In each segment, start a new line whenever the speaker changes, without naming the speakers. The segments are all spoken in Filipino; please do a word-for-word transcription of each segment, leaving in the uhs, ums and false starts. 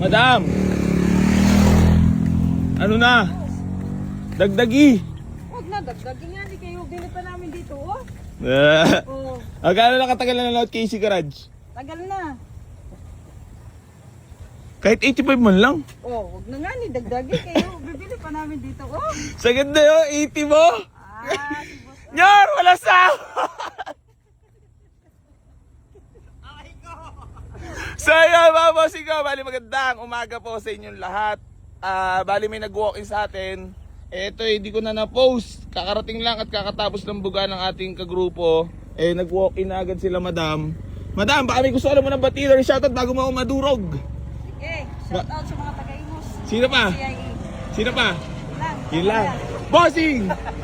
Madam! Ano na? Dagdagi!
Huwag na, dagdagin nga. Hindi kayo bili pa namin dito, oh.
Eh,
Oh,
Agano na katagal na nanonood K C Garage?
tagal na.
Kahit eighty-five man lang.
Oh, huwag na nga ni, dagdagin kayo. Bibili pa namin dito, oh.
Sa ganda yun, eighty mo!
Ah, si boss.
Nyor! Wala sa! So yun mga bossing ko, bali magandang umaga po sa inyong lahat. Ah, bali may nag-walk-in sa atin. Eto eh, hindi ko na na-post. Kakarating lang at kakatapos ng buga ng ating kagrupo. Eh, nag-walk-in na agad sila madam. Madam, baka may gusto alam mo ng batida or shoutout bago mo ako madurog.
Sige, shout out sa mga taga-Imus.
Sino pa?
C I A.
Sino pa?
Yun lang.
Yun lang. Bossing!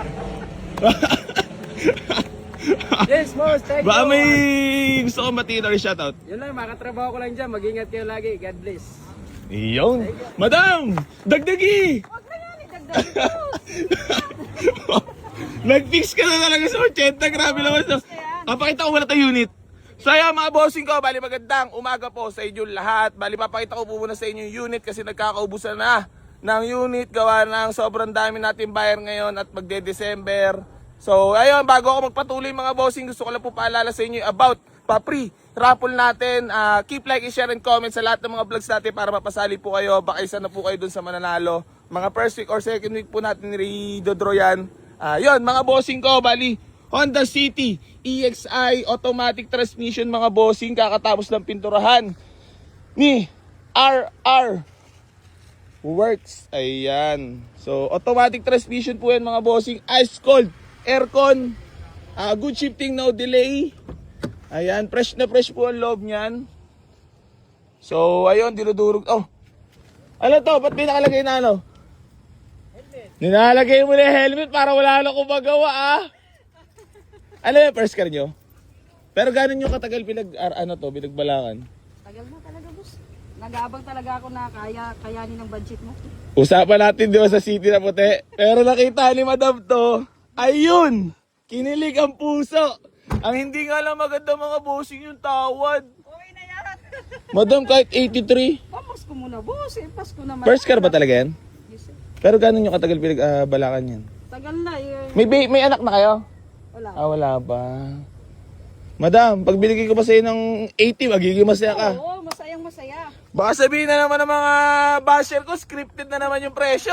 Yes, boss. Thank
Baka
you.
may gusto kong batida or shoutout.
Yun lang, makatrabaho ko lang dyan. Mag-ingat kayo lagi. God bless.
Iyon. Madam! Dagdagi!
Huwag na nga ni, dagdagin ko.
Nag-fix ka na talaga sa eighty. Grabe naman sa... Papakita ko muna tayo unit. So ayan mga bossing ko, bali magandang umaga po sa inyo lahat. Bali papakita ko po muna sa inyo yung unit kasi nagkakaubusan na ng unit. Gawa ng sobrang dami natin buyer ngayon at magde-December. So ayun, bago ako magpatuloy mga bossing, gusto ko lang po paalala sa inyo about pa-pre raffle natin. Uh, keep like, share, and comment sa lahat ng mga vlogs natin para mapasali po kayo. Baka isa na po kayo dun sa mananalo. Mga first week or second week po natin i-dodro yan. Uh, yun mga bossing ko, bali Honda City E X I automatic transmission mga bossing, kakatapos ng pinturahan ni R R Works. Ayan. So automatic transmission po yan mga bossing, ice cold, aircon, uh, good shifting, no delay. Ayan, fresh na fresh po ang loob niyan. So ayun, dinudurog. Oh, ano to? Ba't may nakalagay na ano? Helmet. Nilalagay mo na yung helmet para wala na akong magawa ah. Ano yung first car nyo? Pero gano'n yung katagal pinag, ar, ano to, pinagbalakan?
Tagal na talaga, boss. Nag-aabang talaga ako na kaya kayanin ng budget mo.
Usapan natin di ba sa city na puti? Pero nakita ni madam to, ayun! Kinilig ang puso! Ang hindi nga lang maganda mga bossing yung tawad.
Okay na yan.
Madam kahit eighty-three.
Pamas ko muna, boss. Eh, Pasko naman.
First car ba talaga yan?
Yes, sir.
Pero gano'n yung katagal pinagbalakan yan?
Tagal na, eh.
May, ba- may anak na kayo?
Wala.
Ah, wala pa. Madam, pag binigay ko pa sa'yo ng eighty, magiging masaya ka.
Oo, masayang masaya.
Baka sabihin na naman ng mga basher ko, scripted na naman yung presyo.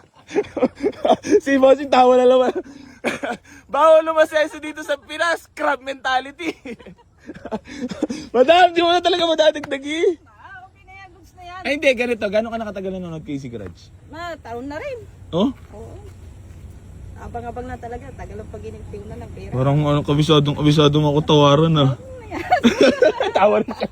Si Bossing tawa na naman. Bawal lumaseso dito sa Pinas, crab mentality. Madam, di mo na talaga madadagdagi.
Ah, okay na yan, goods na yan.
Ay hindi, ganito. Gano'n ka nakatagal na nanonood K C Garage?
Na, taon na rin.
Oh?
Oo. Abang-abang na talaga. Tagal ang pag-initiw na ng pera.
Parang ano, kabisadong kabisadong ako tawaran ah. Tawa rin siya.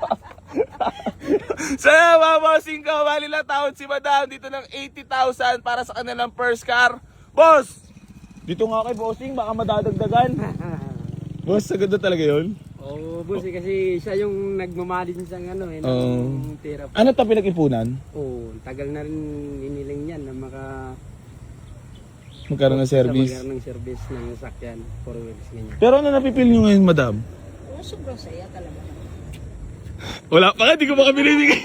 So mga bossing ko, bali lang tawad si madam dito ng eighty thousand para sa kanilang first car. Boss! Dito nga kay bossing, baka madadagdagan. Boss, sagad na talaga yun?
Oo, oh, boss. Eh, kasi siya yung nagmamalin sa ano, eh, ng
Oo.
tira.
Ano to pinag-ipunan?
Oo, tagal na rin iniling yan na maka...
Magkaroon ng service.
Magkaroon ng service ng sakyan, four wheels, ganyan.
Pero ano napipil nyo ngayon, madam?
Oo, sobrang saya talaga.
Wala pa nga, di ko baka binibigay.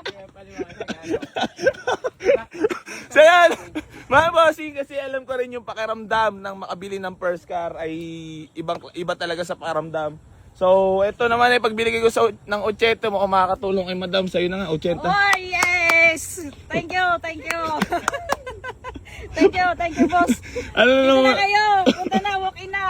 So yan, mga bossing, kasi alam ko rin yung pakiramdam ng makabili ng first car ay ibang, iba talaga sa pakiramdam. So ito naman ay pagbili ko sa, ng eighty mo, kung makakatulong kay madam, sa'yo na nga, eighty.
Oh, yes! Thank you, thank you. Thank you, thank you, boss.
Ano na
Dito
naman?
na kayo. Punta na, walk in na.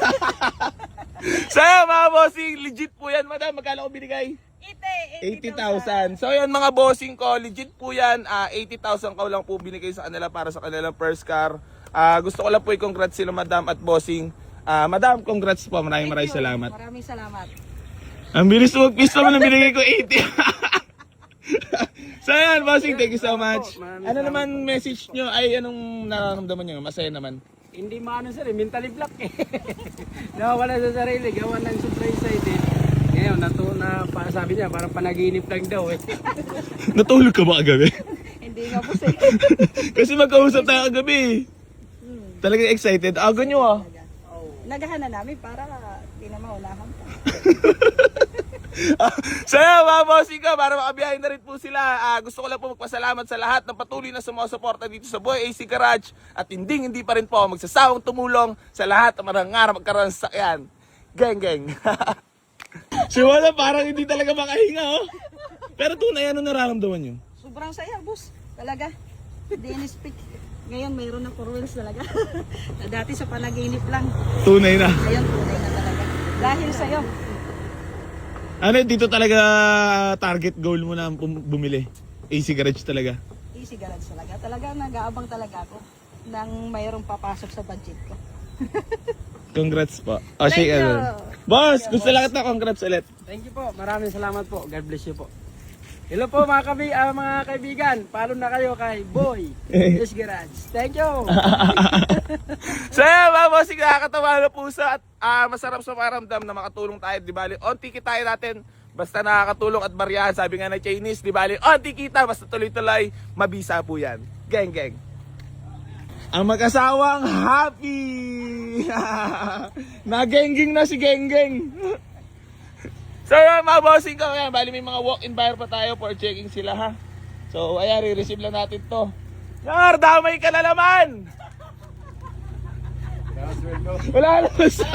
So yan, mga bossing, legit po yan, madam. Magkano ko binigay? eighty
eighty
thousand. So yun mga bossing ko, legit po yan. Uh, eighty thousand ko lang po binigay sa kanila para sa kanilang first car. Uh, gusto ko lang po i-congrats sila madam at bossing. Uh, madam, congrats po. Maraming maraming salamat.
Maraming salamat.
Ang bilis mo mag-piece naman ang binigay ko, eighty. So yan, bossing, thank you so much. Ano naman message nyo? Ay, anong nararamdaman nyo? Masaya naman.
Hindi maano sir, eh, mentally block eh. Nawawala sa sarili, gawa ng sobrang excited. Ngayon, nato na, pa, sabi niya, parang panaginip lang daw eh.
Natulog ka ba kagabi?
Hindi nga po sa'yo.
Kasi magkausap tayo kagabi. Talagang excited. Aga nyo ah.
Nagahan na namin para di na maunahan pa.
So yun, mga bossing ko, para makabiyahin na rin po sila. Ah, gusto ko lang po magpasalamat sa lahat ng patuloy na sumusuporta dito sa Boy A C Garage. At hindi hindi pa rin po magsasawang tumulong sa lahat ng manangarap magkaroon sa sakyan. Geng, geng. Si Wala parang hindi talaga makahinga, oh. Pero tunay, ano nararamdaman nyo?
Sobrang saya, boss. Talaga. Dennis Peak. Ngayon, mayroon na four wheels talaga. Na dati sa panaginip lang.
Tunay na.
Ngayon, tunay na talaga. Dahil sa'yo.
Ano, dito talaga target goal mo na bum- bumili? A C Garage talaga.
Easy garage talaga. Talaga, nag-aabang talaga ako nang mayroong papasok sa budget ko.
Congrats po. O,
Thank
shake
you.
hands. Boss, gusto lang kita, congrats ulit.
Thank you po. Maraming salamat po. God bless you po. Hello po mga, kabi, ah, mga kaibigan. Follow na kayo kay Boy Yes Garage. Thank you.
So yeah, mga bossing, nakakatawa na puso at ah, masarap sa paramdam na makatulong tayo. Di bali, onti kita natin. Basta nakakatulong at bariyahan. Sabi nga na Chinese, di bali, onti kita. Basta tuloy-tuloy, mabisa po yan. Geng, geng. Ang mag-asawang happy! Nagengging na si Genggeng. So yun, mga bossing ko, yan, bali may mga walk-in buyer pa tayo for checking sila, ha. So ayan, re-receive lang natin to. Yar, damay ka na naman! Wala naman sa...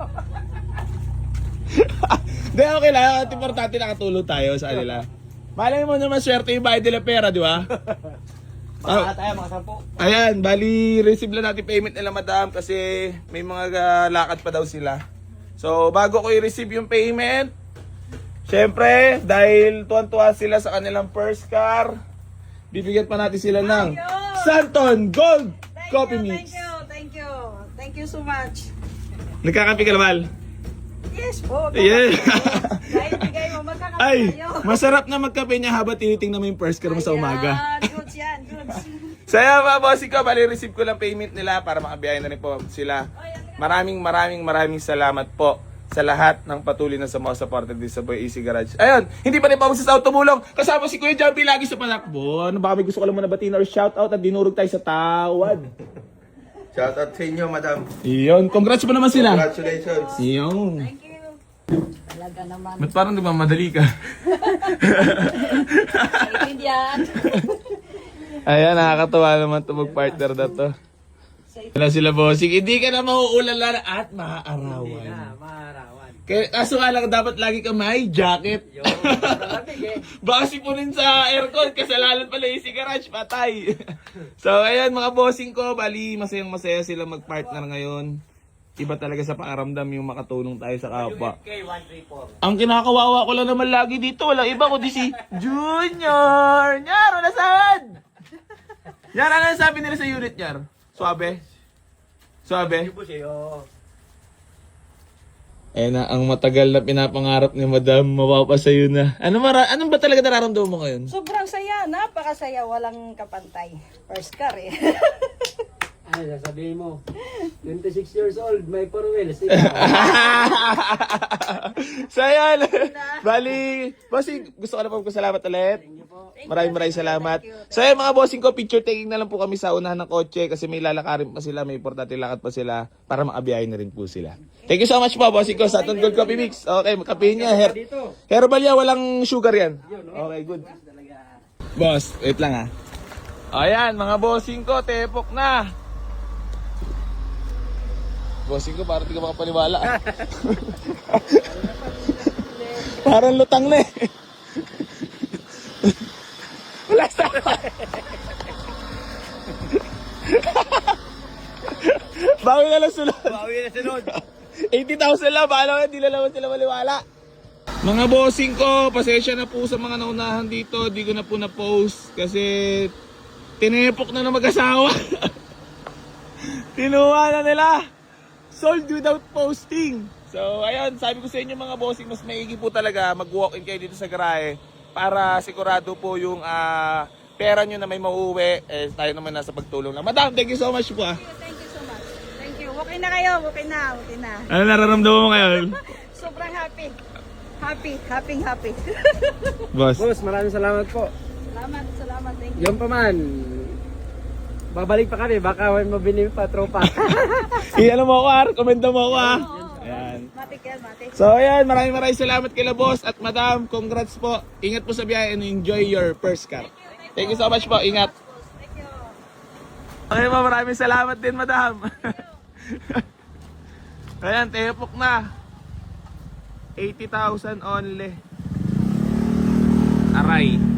Hindi, okay lang. At importante nakatulong tayo sa kanila. Malay mo naman swerte yung bayad nila pera, di ba?
Mga tayo, mga sampo.
Ayan, bali receive lang natin payment nila madam kasi may mga uh, lakad pa daw sila. So bago ko i-receive yung payment, syempre dahil tuwan-tuwa sila sa kanilang first car, bibigyan pa natin sila ng Santon Gold
Thank
Coffee
you,
Mix.
thank you, thank you. Thank you so much.
Nagkakape ka naman?
Yes po.
Yeah.
Dahil bigay mo, magkakape
Ay,
tayo.
masarap na magkape niya habang tinitingnan mo yung first car mo sa umaga.
Ayan, goods yan, goods.
Saya mga bossing ko, bali receive ko lang payment nila para makabiyahin na rin po sila. Maraming maraming maraming salamat po sa lahat ng patuloy na sumusuporta dito sa Boy A C Garage. Ayun, hindi pa rin pa magsasaw tumulong. Kasama si Kuya Jumpy lagi sa panakbo. Ano baka may gusto ko lang muna batiin or shout out at dinurog tayo sa tawad.
Shout out sa inyo, madam.
Iyon, congrats pa naman sila.
Congratulations.
Iyon.
Thank you. Talaga naman.
Ba't parang di ba madali ka?
Excited yan.
Ayan, nakakatawa naman ito mag-partner na to. Wala sila bossing, hindi ka na mauulala at maaarawan.
Na, maarawan.
Kaya, kaso nga lang, dapat lagi ka may jacket.
Yo, maraming eh.
Baka sipunin sa aircon, kasalanan pala yung si Garage, patay. So, ayan mga bossing ko, bali, masayang masaya sila mag-partner ngayon. Iba talaga sa paaramdam yung makatulong tayo sa kapwa.
K one three four.
Ang kinakawawa ko lang naman lagi dito, wala iba kundi si Junior! Nyar, wala saan? Nyar, ano sabi nila sa unit, Nyar? Suabe? Suabe?
Ibo siyo.
Eh na, ang matagal na pinapangarap ni Madam, mapapasayo na. Ano mara, anong ba talaga nararamdaman mo ngayon?
Sobrang saya, napakasaya, walang kapantay. First car eh.
Ano sasabihin mo? twenty-six years old, may four wheels.
So ayan, bali, bossing, gusto ko na po magpasalamat ulit. Maraming maraming salamat. So ayan mga bossing ko, picture taking na lang po kami sa unahan ng kotse kasi may lalakarin pa sila, may importante lakad pa sila para makabiyahin na rin po sila. Thank you so much po, bossing ko, sa Santon Gold Coffee Mix. Okay, kape niya, her herbal yan, walang sugar yan. Okay, good. Boss, wait lang ha. Ayan, mga bossing ko, tepok na. Bossing ko, parang di ka makapaniwala. ah. Parang lutang na eh. Wala sa... Bawi na lang sunod.
Bawi na sunod.
eighty thousand lang, paano hindi na naman sila maliwala. Mga bossing ko, pasensya na po sa mga naunahan dito. Di ko na po na-post kasi tinepok na na mag-asawa. Tinuha na nila. Sold without posting. So ayun, sabi ko sa inyo mga bossing, mas maigi po talaga mag-walk-in kayo dito sa garahe para sigurado po yung ah, pera nyo na may mauuwi, eh tayo naman nasa pagtulong na. Madam, thank you so much po ah.
Thank you so much. Thank you. Okay na kayo, okay na, okay na.
Ano nararamdaman mo ngayon?
Sobrang happy. Happy, happy, happy.
Boss.
Boss, maraming salamat po.
Salamat, salamat. Thank you.
Yan pa man. Babalik pa kami, baka may mabili pa tropa.
I-ano mo ako ah, rekomenda mo ako ah. Ayan.
Matik yan, matik.
So ayan, maraming maraming salamat kay boss at madam. Congrats po. Ingat po sa biyahe and enjoy your first car. Thank you so much po. Ingat.
Thank you.
Okay po, maraming salamat din madam. Ayan, tepok na. eighty thousand only. Aray.